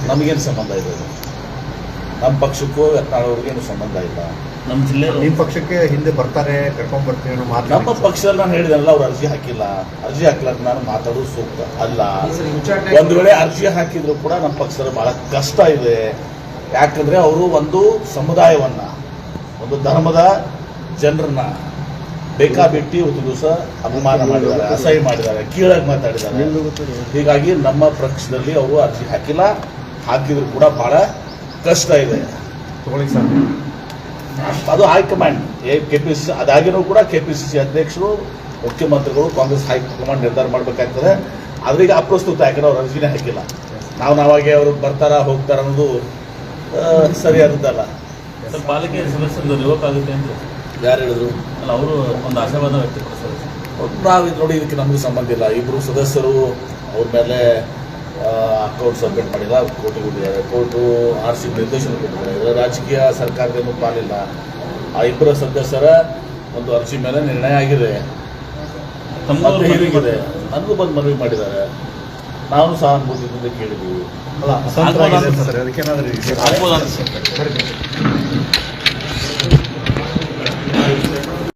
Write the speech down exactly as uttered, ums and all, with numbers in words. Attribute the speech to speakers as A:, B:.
A: ನಮಗೇನು ಸಂಬಂಧ ಇದೆ? ನಮ್ಮ ಪಕ್ಷಕ್ಕೂ ಯತ್ನಾಳವ್ರಿಗೇನು ಸಂಬಂಧ ಇಲ್ಲ.
B: ನಮ್ಮ ಜಿಲ್ಲೆ
C: ನಿಮ್ಮ ಪಕ್ಷಕ್ಕೆ ಹಿಂದೆ ಬರ್ತಾರೆ, ಕರ್ಕೊಂಡ್ ಬರ್ತೀವಿ ಅನ್ನೋ ಮಾತು
A: ನಮ್ಮ ಪಕ್ಷದಲ್ಲಿ ನಾನು ಹೇಳಿದೆನಲ್ಲ, ಅವ್ರು ಅರ್ಜಿ ಹಾಕಿಲ್ಲ. ಅರ್ಜಿ ಹಾಕ್ಲಾಕ ನಾನು ಮಾತಾಡೋದು ಸೂಕ್ತ ಅಲ್ಲ. ಒಂದು ವೇಳೆ ಅರ್ಜಿ ಹಾಕಿದ್ರು ಕೂಡ ನಮ್ಮ ಪಕ್ಷದಲ್ಲಿ ಬಹಳ ಕಷ್ಟ ಇದೆ. ಯಾಕಂದ್ರೆ ಅವರು ಒಂದು ಸಮುದಾಯವನ್ನ, ಒಂದು ಧರ್ಮದ ಜನರನ್ನ ಬೇಕಾಬಿಟ್ಟಿ ಒಂದು ದಿವಸ ಅಪಮಾನ ಮಾಡಿದ್ದಾರೆ, ಅಸಹ್ಯ ಮಾಡಿದ್ದಾರೆ, ಕೀಳಾಗಿ ಮಾತಾಡಿದ್ದಾರೆ. ಹೀಗಾಗಿ ನಮ್ಮ ಪಕ್ಷದಲ್ಲಿ ಅವರು ಅರ್ಜಿ ಹಾಕಿಲ್ಲ. ಹಾಕಿದ್ರು ಕೂಡ ಬಹಳ ಕಷ್ಟ ಇದೆ.
C: ತಗೊಳ್ಳಿ ಸರ್,
A: ಅದು high command K P C C ಅದಾಗಿನೂ ಕೂಡ ಕೆ ಪಿ ಸಿ ಸಿ ಅಧ್ಯಕ್ಷರು, ಮುಖ್ಯಮಂತ್ರಿಗಳು, ಕಾಂಗ್ರೆಸ್ ಹೈಕಮಾಂಡ್ ನಿರ್ಧಾರ ಮಾಡಬೇಕಾಗ್ತದೆ. ಆದ್ರೆ ಈಗ ಅಪ್ರಸ್ತುತ, ಯಾಕಂದ್ರೆ ಅವ್ರು ಅರ್ಜಿನೇ ಹಾಕಿಲ್ಲ. ನಾವು ನಾವಾಗೆ ಅವರು ಬರ್ತಾರ ಹೋಗ್ತಾರ ಅನ್ನೋದು ಸರಿಯಾದದ್ದಲ್ಲ.
B: ಸರ್, ಪಾಲಿಕೆ ಸದಸ್ಯರು ರಿವೋಕ್ ಆಗುತ್ತೆ ಅಂತ
A: ಯಾರು ಹೇಳಿದ್ರು?
B: ಅಲ್ಲ, ಅವರು ಒಂದು ಆಶಾವಾದ ವ್ಯಕ್ತಪಡಿಸ್ತಾರೆ.
A: ನಾವು ನೋಡಿ, ಇದಕ್ಕೆ ನಮಗೆ ಸಂಬಂಧ ಇಲ್ಲ. ಇಬ್ಬರು ಸದಸ್ಯರು ಅವ್ರ ಮೇಲೆ ಅಕೌಂಟ್ ಸಬ್ಮಿಟ್ ಮಾಡಿಲ್ಲ, ಕೋರ್ಟಿಗೆ ಹೋಗಿದ್ದಾರೆ. ಕೋರ್ಟು ಆರ್ ಸಿ ನಿರ್ದೇಶನ ಕೊಟ್ಟಿದ್ದಾರೆ. ಇದರ ರಾಜಕೀಯ ಸರ್ಕಾರದೇನು ಪಾಲಿಲ್ಲ. ಆ ಇಬ್ಬರ ಸದಸ್ಯರ ಒಂದು ಅರ್ಜಿ ಮೇಲೆ ನಿರ್ಣಯ ಆಗಿದೆ.
B: ತಮ್ಮ
A: ಹೀಗಿದೆ, ನನಗೂ ಬಂದು ಮನವಿ ಮಾಡಿದ್ದಾರೆ. ನಾವು ಸಹಾನುಭೂತಿಯಿಂದ ಕೇಳಿದ್ದೀವಿ.
C: ಅಲ್ಲ, ಅಸಂತೃಪ್ತರಾಗಿದ್ದಾರೆ ಸರ್, ಅದಕ್ಕೇನಾದ್ರೂ
B: ಆಗ್ಬೋದಾ?